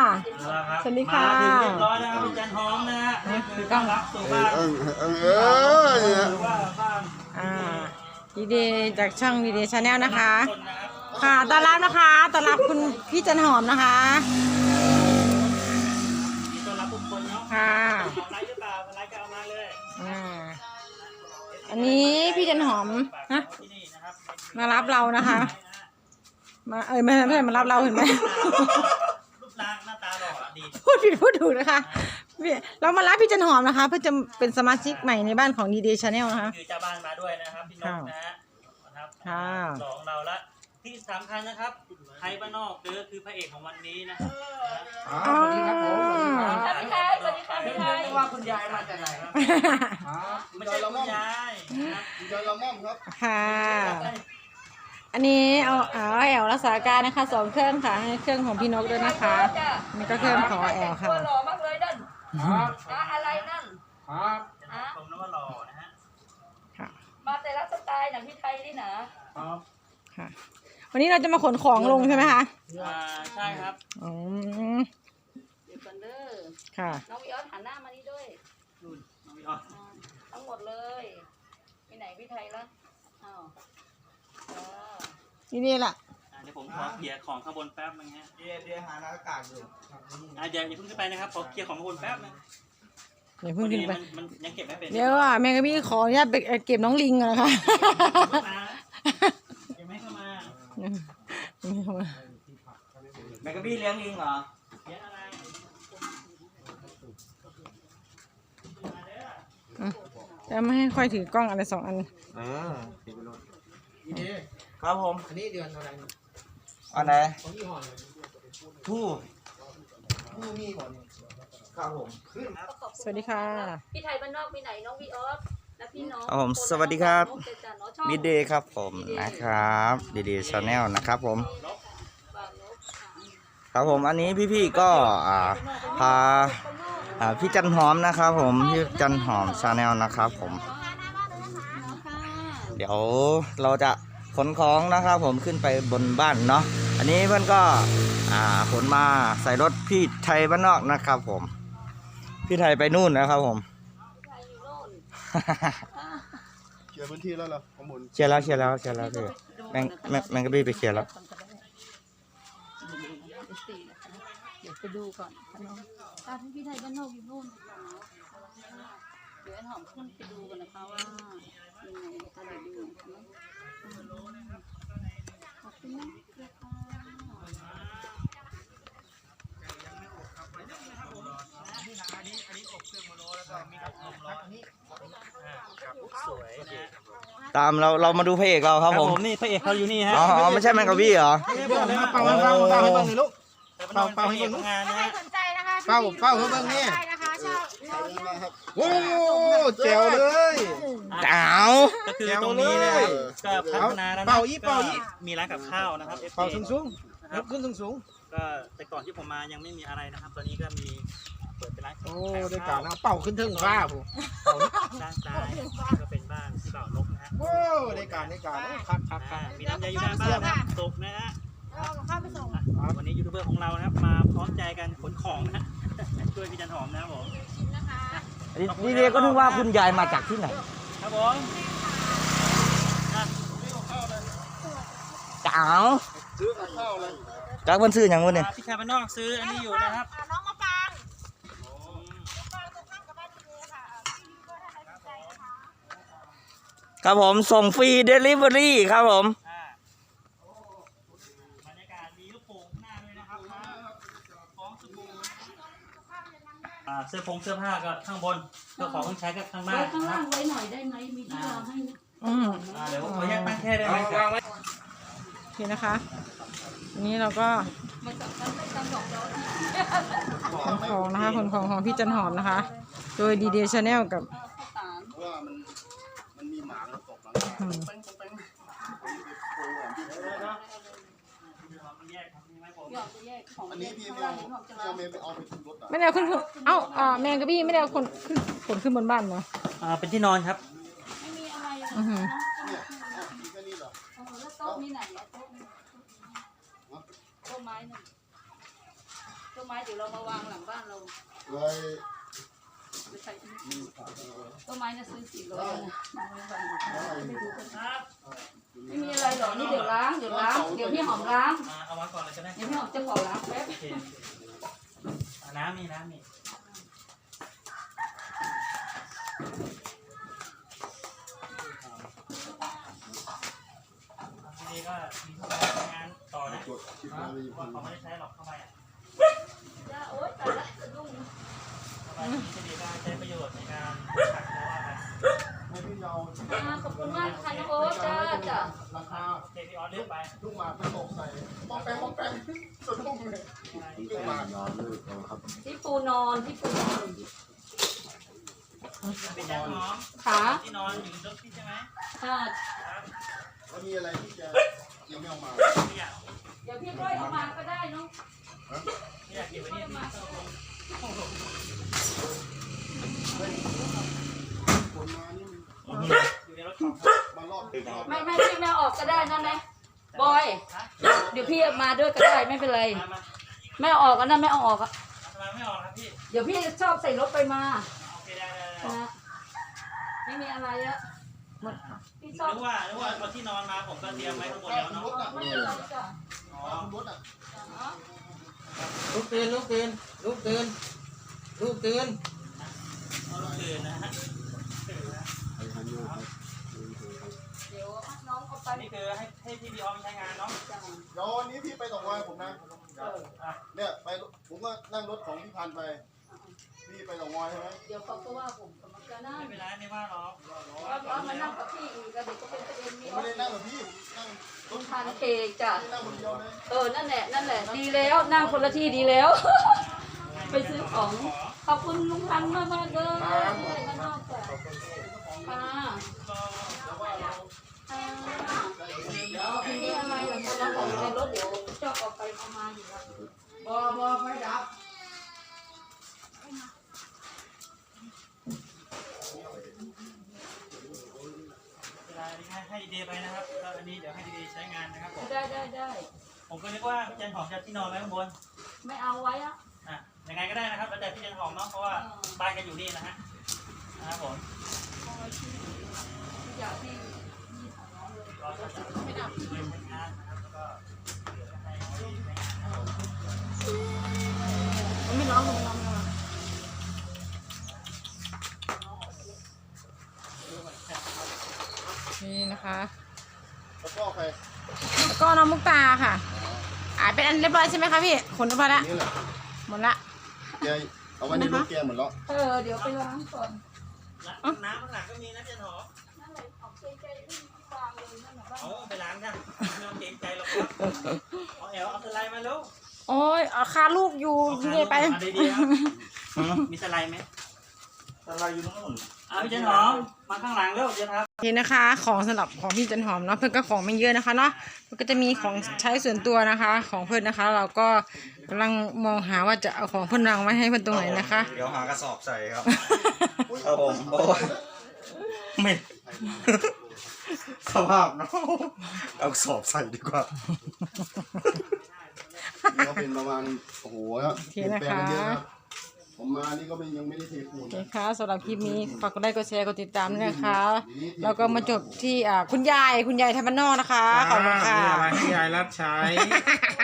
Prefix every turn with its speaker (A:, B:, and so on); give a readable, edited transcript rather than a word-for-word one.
A: สวัสดีค่ะ
B: มาถึงเรียบร้อยนะครับพี่จันหอมนะฮะคือต้อนรับสู่บ้านหรือว่าบ้าน
A: ดีเดย์จากช่องดีเดย์ชาแนลนะคะค่ะต้อนรับนะคะต้อนรับคุณพี่จันหอมนะคะ
B: ต้อนรับทุกคนเนาะ
A: ค่ะ
B: ไลฟ์หรือเปล่าไลฟ์ก็เอามาเลย
A: อันนี้พี่จันหอมนะมารับเรานะคะมาไม่ใช่มารับเราเห็นไหม
B: รูปร่างหน้าตาหล่อดี
A: พูดผิดพูดถูกนะคะเรามารับพี่จันหอมนะคะเพื่อจะเป็นสมาชิกใหม่ในบ้านของดีเดย์ชาแนลนะคะ
B: คือเจ้าบ้านมาด้วยนะครับพี่นกนะฮะสองเราละที่สำคัญนะครับไทยบ้านนอกเด้อคือพระเอกของวันนี้นะครับ
C: สวัสดีครับผม
D: สวัสดีค่ะสวัสดีค่ะพี่ไทย
C: ว่าคุณยายมาจากไหนครับ
B: ไม่ใช่คุณยาย
C: คุณยายละม่อมครับ
A: ค่ะอันนี้เอาแอลรักษาการนะคะ2 เครื่องค่ะให้เครื่องของพี่นกด้วยนะคะนี่ก็เครื่องของแอลค่ะ
D: หล่อมากเลยนั่นอะไรนั่น
C: ครับ
B: ผมนึกว่าหล่อนะฮะ
D: มาแต่ละสไตล์อย่างพี่ไทยนี่นะครับ
A: ค่ะวันนี้เราจะมาขนของลงใช่ไหมคะ
B: ใช่ครับ
D: เดี๋ยวกันเด้อ
A: ค่ะ
D: น้องวิออสหันหน้ามานี่ด้วย
B: น้องวิออส
D: ทั้งหมดเลยมีไหนพี่ไทยละ
A: นี่แหละ
B: เดี๋ยวผมขอเคลียร์ของข้างบนแป๊บนึงฮะ
C: เดี๋ยวหาอากาศอยู่
B: เดี๋ยวอย่าเพิ่งขึ้นไปนะครับขอเคลียร์ของข้างบนแป๊บนึง
A: อย่าเพิ่งขึ้นไป
B: มันยังเก็บไม่เป็น
A: เดี๋ยวแม่กับพี่ขออนุญาตไปเก็บน้องลิงก่อนนะคะ
B: ยังไม่เข้ามา
C: แมกกาบี้เลี้ยงลิงเหรอ
B: เลี้ยงอะไร
A: จะไม่ให้ค่อยถือกล้องอะไร2 อัน
C: ครับผมอันนี้เดือนอะไรอันไหนทู่มีก่อนครับผม
A: สวัสดีค่ะ
D: พี่ไทยบ้านนอกมีไหนน้องวิออสและพี่น้อง
C: ผมสวัสดีครับมิเดย์ครับผมนะครับดีดีชาแนลนะครับผมครับผมอันนี้พี่ๆก็พาพี่จันหอมนะครับผมพี่จันหอมชาแนลนะครับผมเดี๋ยวเราจะขนของนะครับผมขึ้นไปบนบ้านเนาะอันนี้เพื่อนก็ขนมาใส่รถพี่ไทยบ้านนอกนะครับผมพี่ไทยไปนู่นนะครับผม
E: เคลียร์พื้นที่แล้วเหรอข้างบน
C: เคลียร์แล้วพี่แมงกะบี้ไปเคลียร์แล้ว
D: เดี๋ยวไปดูก่อนตาพี่ไทยบ้านนอกอยู่นู่นเดี๋ยวหอมขึ้นไปดูกันนะคะว่ายังไงอะไรดูขอบคุณนะ
C: ตามเรามาดูพระเอกเราครับผม
B: นี่พระเอกเขาอยู่นี่ฮะ
C: อ๋อไม่ใช่แมงกะบี้เหรอ
E: เป่าให้เบิ่งนี่ลูกเป่าให้เบิ่ง
B: งานนะ
E: สนใจนะคะเป่าให้เบิ่งนี่โอ้แจ๋วเลย
C: เจ๋ว
B: ก็คือตรงนี้นะครับก็พัฒนาแล้วมีร้านกับข้าวนะครับ
E: เป่าสูงครับขึ้นสูง
B: ก็แต่ก่อนที่ผมมายังไม่มีอะไรนะครับตอนนี้ก็มีเปิดเป็นร้าน
E: โอ้ได้การนะเป่าขึ้นถึงฟ้าผม
B: ด้านซ้ายก็เป็นบ้านที่บ่าวนกนะฮะ
E: โอ้ได้การ
B: ครับมีน้ำยาอยู่หน้าบ้านนะตกนะฮะวันนี้ยูทูบเบอร์ของเรานะครับมาพร้อมใจกันขนของนะฮะช่วยพี่จันหอมนะครับผม
C: นี่เรียกก็นึกว่าคุณยายมาจากที่ไหน
B: ครับผม
C: เจ๋วจากวันซื้ออย่างวันเนี่ย
B: พี่ชายบ้านนอกซื้ออันนี้อยู่นะครับ
A: น้องมาฟัง
C: ครับผมส่งฟรีเดลิเวอรี่ครับผม
B: บรรยากาศมีลูกโป่งหน้าด้วยนะครับของสบู่เสื้อผ้าก็ข้างบนเสื้อของต้องใช้ก็ข้างล่าง
D: ข้างล่างไว้หน่อยได้ไหมมีที่วางให้
B: เดี๋ยวขอแยกตั้งแค่ได้ไหม
A: โอเคนะคะอันนี้เราก็ขนของนะคะขนของของพี่จันหอมนะคะโดยดีเดย์ชาแนลกับ
E: ว่ามันมีหมาตกอันนี้พี่ไม่เอาไปขึ้นรถ
A: ไม่ได้เอาขึ้นแมงกะบี้ไม่ได้เอาขนขึ้นบนบ้านเหรอ
B: เป็นที่นอนครับ
D: ไม่มีอะไรแล้วโต๊ะมีไหนโต๊ะไม้หนึ่งต้นไม้เดี๋ยวเรามาวางหลังบ้านเรา
E: เลย
D: ไม่ใช่ต้นไม้น่ะซื้อ400นะมาไว้วางไม่ดูกัน
B: ครับ
D: ไม่มีอะไรหรอกนี่เดี๋ยวล้างเดี๋ยวพี่หอมล้าง
B: เอามาก่อนเลยก็ได้
D: เดี๋ยวพี่หอมจะขอล้างแป๊บ
B: โอเคน้ำมีทีนี้ก็มีทุกการงานต่อนะ
E: กดชิปมาเลย
B: ว่าเขาไม่ได้ใช้หรอกเข้าไปอ่ะ
D: จ้าโอ๊ยตายละสะดุ้ง
B: เข้าไปนี้จะดีก็ใช้ประโยชน์ในการขัดแล้วว่าไป
E: ให้พี่เอา
D: ขอบคุณมากค่ะน้องโอ๊ตจ้า
E: ราคา
B: เจพี่ออสเลือกไป
E: ลูกหมากไปตกใส่ป้องแปงสะดุ้งเลยลูกหมากยอมเลยครับ
D: ที่ปูนอนที่ปูนอน
B: เป็นยันหอม
D: ขา
B: ที่นอนอยู่รถพี่ใช่ไหม
D: ค่ะ
B: ครับ
E: แล้วมีอะไรที่จะยังไม่เอามา
B: ไม่อยาก
D: เดี๋ยวพี่ก้อยเอามาก็ได้น้อง
B: ไม่อยากเก็บไว้นี่พี่ต้องลง
E: คนมานี่
B: อยู่ในรถของ
E: มารอบตึก
D: ไม่พี่ไม่ออกก็ได้นั่นนะบอยเดี๋ยวพี่มาด้วยก็ได้ไม่เป็นไร
B: มา
D: ไม่เอาออกก็นั่นไม่เอาออกอะ
B: ทำไมไม่ออกครับพี่
D: เดี๋ยวพี่ชอบใส่รถไปมา
B: โอเคได้
D: นะไม่มีอะไรอะหมดพี่ชอบ
B: นึกว่าคนที่นอนมาผมก็เตรียมไว้ข้างบนแล้วเนาะ
D: ไม่เป็นไรจ้ะ
B: อ๋อ
E: รถอ่ะ
C: ลูกตื่นลูกตื่นลูกตื่นลูกตื่น
B: ตื่นนะฮะ
D: เดี๋ยวน้องเอาไป
B: นี่คือให้พี่บีออมใช้งานเนาะ
D: จ้ะ
E: เดี๋ยววันนี้พี่ไปตกงานผมนะ เนี่ยไปผมก็นั่งรถของพี่พันไป พี่ไปตกงานใช่ไหม
D: เดี๋ยวเขาก็ว่าผมกำลังจะนั่ง
B: ไม่เป็นไรไม่ว่าหรอก
D: ว่ามานั่งกับพี่อีกแล้วเดี๋ยวก็เป็นประเด็น
E: ผ
D: นี้
E: มไม่ได้นั่งกับพี่ผมนั่งร
D: คุ
E: ถ
D: ณทานเคกจ้ะ
E: นั่งคนเดียวเลย
D: นั่นแหละดีแล้วนั่งคนละที่ดีแล้ว ไปซื้อของขอบคุณลุงพันธุ์มากๆเลยข้างนอกจ้ะค่ะ
B: ก็
D: เดี๋ยวทีนี้อะไรหลังจากนั้นของในรถเดี๋ยวเจ้าออกไปเอามาอยู่แล้ว
C: บอไฟดับ
B: เวลาให้ดีไปนะครับก็อันนี้เดี๋ยวให้ดีใช้งานนะครับผม
D: ได้
B: ผมก็นึกว่าพี่จันหอมจะที่นอนไว้ข้างบน
D: ไม่เอาไว้อะ
B: อ่ะยังไงก็ได้นะครับแล้วแต่พี่จันหอมเนาะเพราะว่าบ้านกันอยู่นี่นะฮะนะครับผม
D: อยากที่นี่ของน้องเลย
B: ก็จะไม่ดับเลยใช้งานนะครับแล้วก็เดี๋ยวจะให้ใช้งาน
A: ไม่ร้องไม่ร้อง นี่นะคะ
E: แล้วก็ใคร
A: แล้วก็น้องมุกตาค่ะเป็นอันเรียบร้อยใช่ไหมคะพี่ขนเรียบร้อยแล้ว
E: นี่แหละ
A: หมดละ
E: แกเอาไว้ในรถแกหมดแล้ว
D: เดี๋ยวไปล้างก่อน
B: น้ำข้างหลังก็มีนะพี่จันหอม
D: นั่นเลยของใจที่วางเลยนั่นแหละ
B: เอาไปล้างกันไม่ต้องเกรงใจหรอกครับเอาแอลเอาสไลด์มาแล้ว
A: โอ้ยเอาคาลูกอยู่ที่ไหนไป
B: มาดีๆครับมีสไลด์ไหม
C: อะไรอยู่นู่น
B: เอาพี่จันหอมมาข้างหลังเร็วเดี๋ยวครับ
A: นี่นะคะ ของสำหรับของพี่จันหอมเนาะเพื่อนก็ของไม่เยอะนะคะเนาะมันก็จะมีของใช้ส่วนตัวนะคะ ของเพื่อนนะคะ เราก็กำลังมองหาว่าจะเอาของเพื่อนรังไว้ให้เพื่อนตรงไหนนะคะ
C: เดี๋ยวหากระสอบใส่ครับครับผมโอ้ยไม่ สภาพเนาะเอากระสอบใส่ดีกว่า
E: ก็เป็นประมาณโอ้โหเปลี่ยนแปลงกันเยอะครับผมมานี่ก็ยังไม่ได้เทปูน
A: โอเคค่ะสำหรับคลิปนี้ฝากกดไลค์กดแชร์กดติดตามด้วยนะคะแล้วก็มาจบที่คุณยายไทยบ้านนอกนะคะขอบคุณค่ะ
F: มีอะไรให้ยายรับใช้